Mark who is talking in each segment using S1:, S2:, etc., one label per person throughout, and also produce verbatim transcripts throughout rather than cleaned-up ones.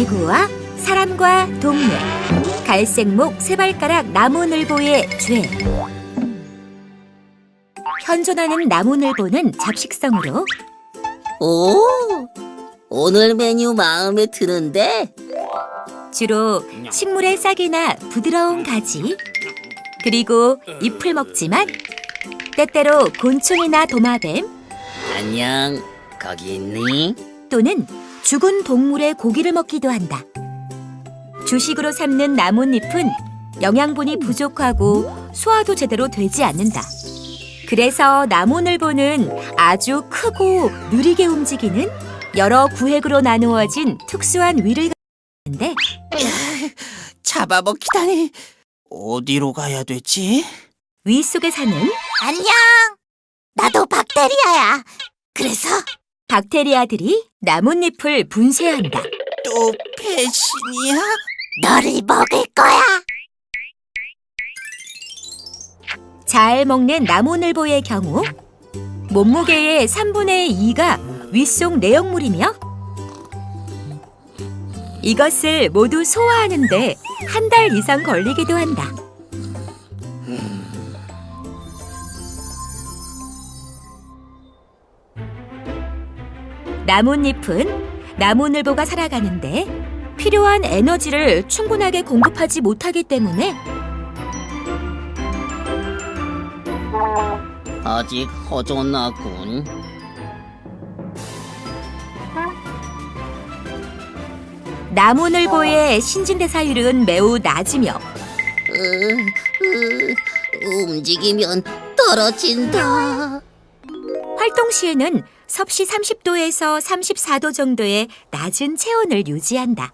S1: 지구와 사람과 동물, 갈색목 세발가락 나무늘보의 죄. 현존하는 나무늘보는 잡식성으로
S2: 오, 오늘 메뉴 마음에 드는데?
S1: 주로 식물의 싹이나 부드러운 가지, 그리고 잎을 먹지만 때때로 곤충이나 도마뱀
S2: 안녕, 거기 있니?
S1: 또는 죽은 동물의 고기를 먹기도 한다. 주식으로 삼는 나뭇잎은 영양분이 부족하고 소화도 제대로 되지 않는다. 그래서 나무늘보는 아주 크고 느리게 움직이는 여러 구획으로 나누어진 특수한 위를 가지고 있는데
S3: 잡아먹히다니. 어디로 가야 되지?
S1: 위 속에 사는
S4: 안녕. 나도 박테리아야. 그래서
S1: 박테리아들이 나뭇잎을 분쇄한다.
S3: 또 배신이야?
S4: 너를 먹을 거야.
S1: 잘 먹는 나무늘보의 경우 몸무게의 삼분의 이가 윗속 내용물이며 이것을 모두 소화하는데 한 달 이상 걸리기도 한다. 나뭇잎은 나무늘보가 살아가는데 필요한 에너지를 충분하게 공급하지 못하기 때문에
S2: 아직 허전하군.
S1: 나무늘보의 신진대사율은 매우 낮으며
S2: 으, 으, 움직이면 떨어진다.
S1: 활동 시에는 섭씨 삼십 도에서 삼십사 도 정도의 낮은 체온을 유지한다.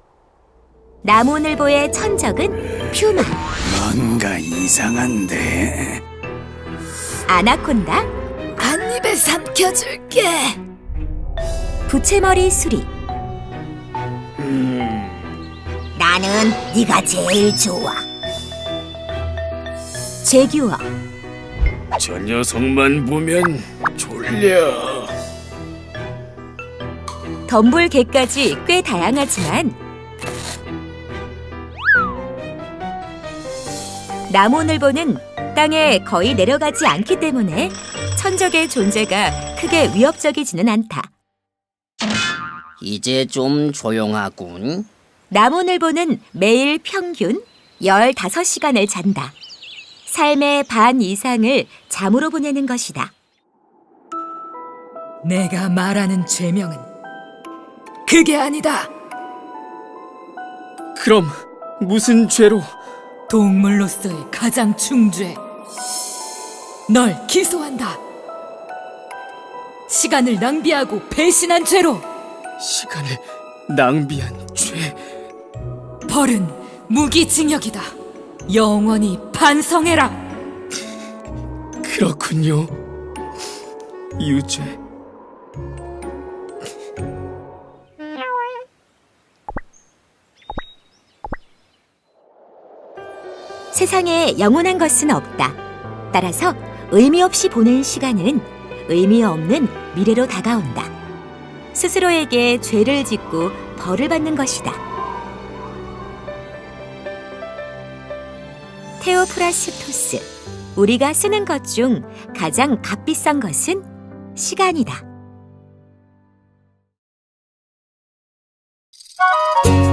S1: 나무늘보의 천적은 퓨마,
S5: 뭔가 이상한데.
S1: 아나콘다,
S4: 한 입에 삼켜줄게.
S1: 부채머리 수리,
S4: 나는 네가 제일 좋아.
S1: 제규어,
S5: 저 녀석만 보면 졸려.
S1: 덤불개까지 꽤 다양하지만 나무늘보는 땅에 거의 내려가지 않기 때문에 천적의 존재가 크게 위협적이지는 않다.
S2: 이제 좀 조용하군.
S1: 나무늘보는 매일 평균 열다섯 시간을 잔다. 삶의 반 이상을 잠으로 보내는 것이다.
S6: 내가 말하는 죄명은 그게 아니다.
S5: 그럼 무슨 죄로?
S6: 동물로서의 가장 중죄. 널 기소한다. 시간을 낭비하고 배신한 죄로.
S5: 시간을 낭비한 죄.
S6: 벌은 무기징역이다. 영원히 반성해라.
S5: 그렇군요. 유죄.
S1: 세상에 영원한 것은 없다. 따라서 의미 없이 보낸 시간은 의미 없는 미래로 다가온다. 스스로에게 죄를 짓고 벌을 받는 것이다. 테오프라스토스, 우리가 쓰는 것 중 가장 값비싼 것은 시간이다.